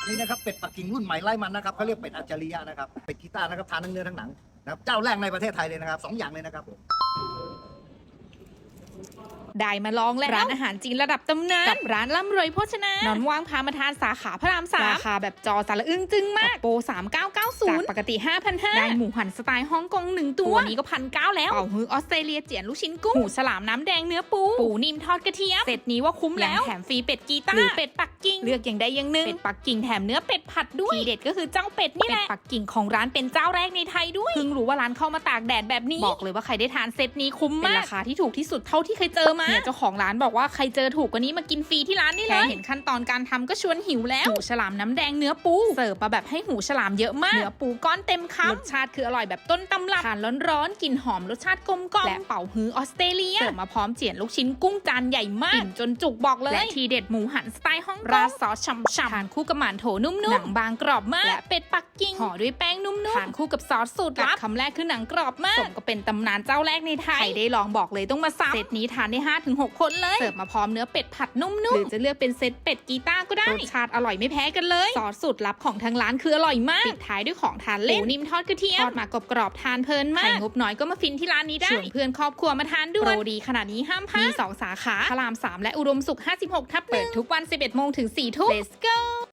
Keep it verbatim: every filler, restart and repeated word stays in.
นี่นะครับเป็ดปักกิ่งรุ่นใหม่ไร้มันนะครับเขาเรียกเป็ดอัจฉริยะนะครับเป็ดกีต้านะครับทานทั้งเนื้อทั้งหนังนะครับเจ้าแรกในประเทศไทยเลยนะครับสองอย่างเลยนะครับผมได้มาลองแล้วร้านอาหารจีนระดับตำนานกับร้านล่ำรวยโภชนานอนว่างพามาทานสาขาพระรามสามราคาแบบจอสารอึ้งจึงมากโปรสามพันเก้าร้อยเก้าสิบจากปกติ ห้าพันห้าร้อย ได้หมูหันสไตล์ฮ่องกงหนึ่งตัวนี้ก็พันเก้าแล้วเป่าฮื้อออสเตรเลียเจียนลูกชิ้นกุ้งหูฉลามน้ำแดงเนื้อปูปูนิ่มทอดกระเทียมเสร็จนี้ว่าคุ้มแล้วแถมฟรีเป็ดกีต้าหรือเป็ดปักกิ่งเลือกอย่างใดอย่างหนึ่งเป็ดปักกิ่งแถมเนื้อเป็ดผัดด้วยทีเด็ดก็คือเจ้าเป็ดนี่แหละเป็ดปักกิ่งของร้านเป็นเจ้าแรกในไทยด้วยเพิ่งรู้ว่าร้านเข้ามาตากแดดแบบนี้บอกเลยว่าใครได้ทานเซตนี้คุ้มมากเป็นราคาที่ถูกที่สุดเท่าที่เคยเจอมาเนี่ยเจ้าของร้านบอกว่าใครเจอถูกกว่านี้มากินฟรีที่ร้านนี่เลยแค่เห็นขั้นตอนการทำก็ชวนหิวแล้วหูฉลามน้ำแดงเนื้อปูเสิร์ฟมาแบบให้หูฉลามเยอะมากเนื้อปูก้อนเต็มคำรสชาติคืออร่อยแบบต้นตำรับทานร้อนๆกลิ่นหอมรสชาติกลมกล่อมและเป่าฮื้อออสเตรเลียเสิร์ฟมาพร้อมเจียนลูกชิ้นกุ้งจานใหญ่มากกินจนจุกบอกเลยและทีเด็ดหมูหันสไตล์ฮ่องกงราดซอสฉ่ำๆทานคู่กับหม่านโถนุ่มๆหนังบางกรอบมากและเป็ดปักกิ่งห่อด้วยแป้งนุ่มๆทานคู่กับซอสสูตรลับคำแรกคือหนังกรอบมากสมก็เป็นตำนานเจ้าแรกในไทยใครได้ลองบอกเลยต้องมาซ้ำเซตนี้ทานได้ ห้าถึงหก คนเลยเสิร์ฟมาพร้อมเนื้อเป็ดผัดนุ่มๆหรือจะเลือกเป็นเซตเป็ดกีต้าก็ได้รสชาติอร่อยไม่แพ้กันเลยซอสสูตรลับของทางร้านคืออร่อยมากปิดท้ายด้วยของทานเล่นหมูนิ่มทอดกระเทียมทอดมากรอบๆทานเพลินมากใครงบน้อยก็มาฟินที่ร้านนี้ได้ชวนเพื่อนครอบครัวมาทานด้วยโปรดีขนาดนี้ห้ามพลาดมีสองสาขาพระรามสามและอุดมสุขห้าสิบหกทับหนึ่งเปิดทุกวัน สิบเอ็ดโมงถึงสี่ทุ่ม Let's go